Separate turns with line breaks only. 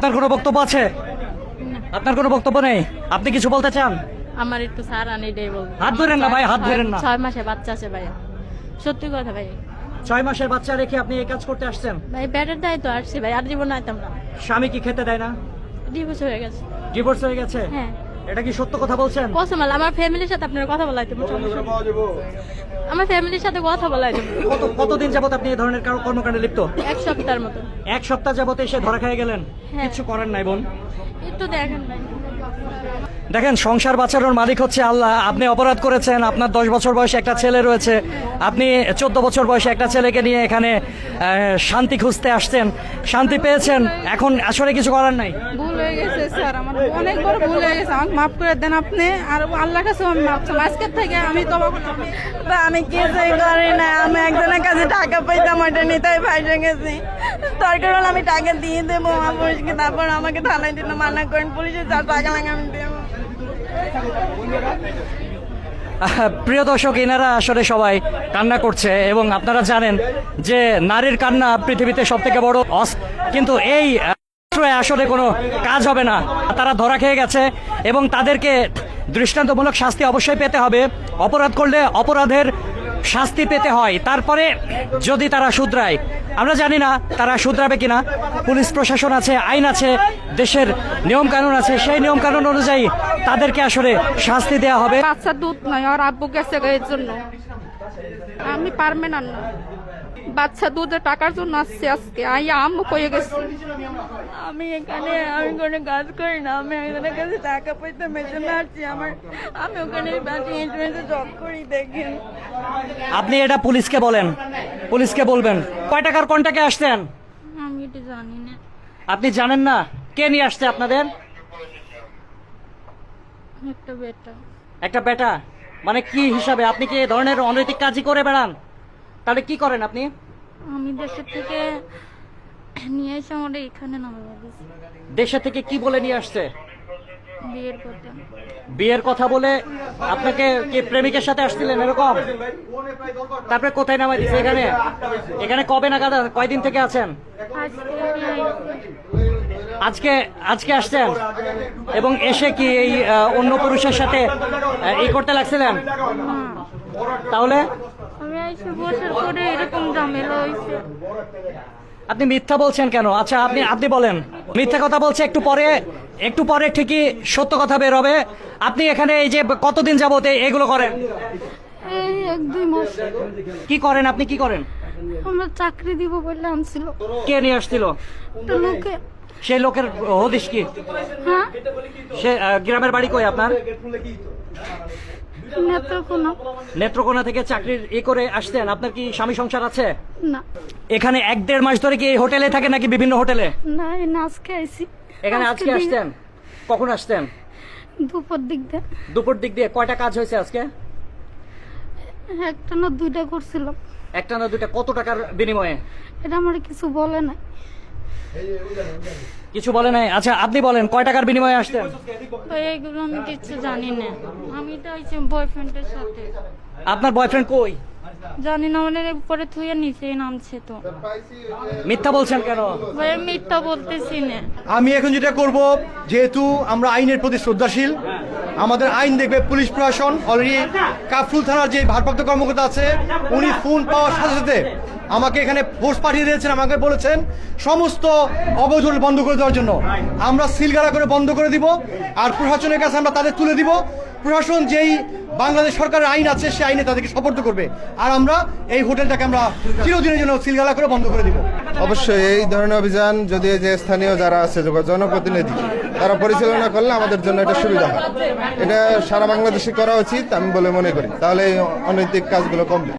আপনার কোনো বক্তব্য আছে? আপনার কোনো বক্তব্য নেই? আপনি কিছু বলতে চান?
আমার একটু স্যার আনি দেই বলবো।
হাত ধরেন না ভাই, হাত ধরেন না।
6 মাসে বাচ্চা আছে ভাই, সত্যি কথা ভাই।
6 মাসের বাচ্চা রেখে আপনি এই কাজ করতে আসছেন?
ভাই পেটের দায় তো আসছি ভাই, আর জীবন আইতাম না।
স্বামী কি খেতে দেয় না?
ডিভোর্স হয়ে গেছে।
ডিভোর্স হয়ে গেছে?
হ্যাঁ।
এটা কি সত্য কথা বলছেন?
কসম আল্লাহ, আমার ফ্যামিলির সাথে আপনার কথা বলাইতে আমার ফ্যামিলির সাথে কথা বলাইতে
কতদিন যাবত আপনি এই ধরনের কর্মকাণ্ডে লিপ্ত?
1 সপ্তাহের মতো।
1 সপ্তাহ যাবত এসে ধরা খেয়ে গেলেন?
হ্যাঁ।
কিছু করেন নাই বোন?
একটু দেখেন ভাই।
দেখেন, সংসার বাঁচানোর মালিক হচ্ছে আল্লাহ। আপনি অপরাধ করেছেন, আপনার 10 বছর বয়সে একটা ছেলে রয়েছে, আপনি 14 বছর বয়সে একটা ছেলেকে নিয়ে এখানে শান্তি খুঁজতে আসছেন, শান্তি পেয়েছেন, এখন আসলে কিছু করার নাই।
ভুল হয়ে গেছে স্যার, আমার অনেক বড় ভুল হয়ে গেছে, আমাকে মাফ করে দেন আপনি। আর আল্লাহর কাছে আমি মাফ চাই, আজকের থেকে আমি তবা করলাম। আমি কিছুই করি না, আমি একজনের কাছে টাকা পাইতাম, ওইটা নিতেই ফাইসে গেছি। দরকার হলে আমি টাকা দিয়ে দেবো আমার পুলিশকে, তারপর আমাকে থানায় দিল, মানা করেন পুলিশের যা টাকা লাগে আমি দেবো।
প্রিয় দর্শক, এনারা আসলে সবাই কান্না করছে এবং আপনারা জানেন যে নারীর কান্না পৃথিবীতে সব থেকে বড় কিন্তু এই আসলে কোনো কাজ হবে না। তারা ধরা খেয়ে গেছে এবং তাদেরকে দৃষ্টান্তমূলক শাস্তি অবশ্যই পেতে হবে। অপরাধ করলে অপরাধের শাস্তি পেতে হয়, তারপরে যদি তারা শুধরায়। আমরা জানি না তারা শুধরাবে কিনা। পুলিশ প্রশাসন আছে, আইন আছে, দেশের নিয়ম কানুন আছে, সেই নিয়ম কানুন অনুযায়ী তাদেরকে আসলে শাস্তি দেওয়া হবে।
বাচ্চা দুধ নয়, আর আব্বু গেছে এর জন্য আমি পারবেন না। বাচ্চা দুধের টাকার জন্য আসছে আজকে, আম্মু কয়ে গেছে। আমি কোনো কাজ করি না, আমি একজনের কাছে টাকা পাইতাম, এর জন্য আসছি। আমি ওখানে জব করি, দেখেন।
আপনি এটা পুলিশকে বলেন, পুলিশকে বলবেন। কয় টাকার কন্টাকে আসছেন?
আমি এটা জানি না।
আপনি জানেন না? কে নিয়ে আসছে আপনাদের?
একটা বেটা।
একটা বেটা? মানে কি হিসাবে? আপনি কি এই ধরনের অনৈতিক কাজই করে বেড়ান? তাহলে কি করেন আপনি?
আমি দেশের থেকে নিয়ে এসে আমার এখানে নামাবো।
দেশে থেকে কি বলে নিয়ে আসছে?
বিয়ের কথা।
বিয়ের কথা বলে? আপনাকে কি প্রেমিকের সাথে আসছিলেন এরকম? তারপরে কোথায় নামাই দিচ্ছে? এখানে? এখানে কবে নাগাদ, কয়দিন থেকে আছেন? আজকে আজকে আসছেন এবং এসে কি এই অন্য পুরুষের সাথে এই করতে লাগছিলেন? তাহলে
আমি এসে বছর পরে এরকম ঝামেলা হয়েছে।
আপনি মিথ্যা বলছেন কেন? আচ্ছা আপনি বলেন, মিথ্যা কথা বলছে, একটু পরে ঠিকই সত্য কথা বের হবে। আপনি এখানে এই যে কতদিন যাবত এগুলো করেন?
এই 1-2 মাস।
কি করেন আপনি? কি করেন?
আমরা চাকরি দিব বলে আনছিল।
কে নিয়ে আসছিল?
একটা লোকে।
সেই লোকের হদিশ কি?
হ্যাঁ,
সে গ্রামের বাড়ি কই আপনার?
নেত্রকোনা।
নেত্রকোনা থেকে চাকরির করে আসতেন। আপনার কি স্বামী সংসার আছে?
না।
এখানে 1-1.5 মাস ধরে কি এই হোটেলে থাকে নাকি বিভিন্ন হোটেলে?
না, এই আজকে আইছি।
এখানে আজকে আসতেন? কখন আসতেন?
দুপুর দিক দিয়ে।
দুপুর দিক দিয়ে। কয়টা কাজ হয়েছে আজকে?
একটা না 2টা করছিলাম।
একটা না 2টা? কত টাকার বিনিময়ে?
এটা আমার কিছু বলে না।
কিছু বলে নাই? আচ্ছা আপনি বলেন, কয় টাকার বিনিময়ে আসতেন?
এইগুলো আমি কিছু জানি না। আমি তো আইছি বয়ফ্রেন্ডের সাথে।
আপনার বয়ফ্রেন্ড কই?
জানি না, মানে উপরে থুয়ে নিচে নামছে তো।
মিথ্যা বলছেন কেন?
ভাই মিথ্যা বলতেছি না।
আমি এখন যেটা করব, যেহেতু আমরা আইনের প্রতি শ্রদ্ধাশীল, আমাদের আইন দেখবে পুলিশ প্রশাসন। অলরেডি কাফরুল থানার যে ভারপ্রাপ্ত কর্মকর্তা আছে, উনি ফোন পাওয়ার সাথে সাথে আমাকে এখানে ফোর্স পাঠিয়ে দিয়েছেন, আমাকে বলেছেন সমস্ত অবৈধ বন্ধ করে দেওয়ার জন্য। আমরা সিলগালা করে বন্ধ করে দিব, আর প্রশাসনের কাছে আমরা তাদের তুলে দিব। প্রশাসন যেই বাংলাদেশ সরকারের আইন আছে, সেই আইনে তাদেরকে সপর্দ করবে, আর আমরা এই হোটেলটাকে আমরা চিরদিনের জন্য সিলগালা করে বন্ধ করে দিব।
অবশ্যই এই ধরনের অভিযান যদি যে স্থানীয় যারা আছে, জনপ্রতিনিধি, তারা পরিচালনা করলে আমাদের জন্য এটা সুবিধা হয়। এটা সারা বাংলাদেশে করা উচিত আমি বলে মনে করি, তাহলে এই অনৈতিক কাজগুলো কমবে।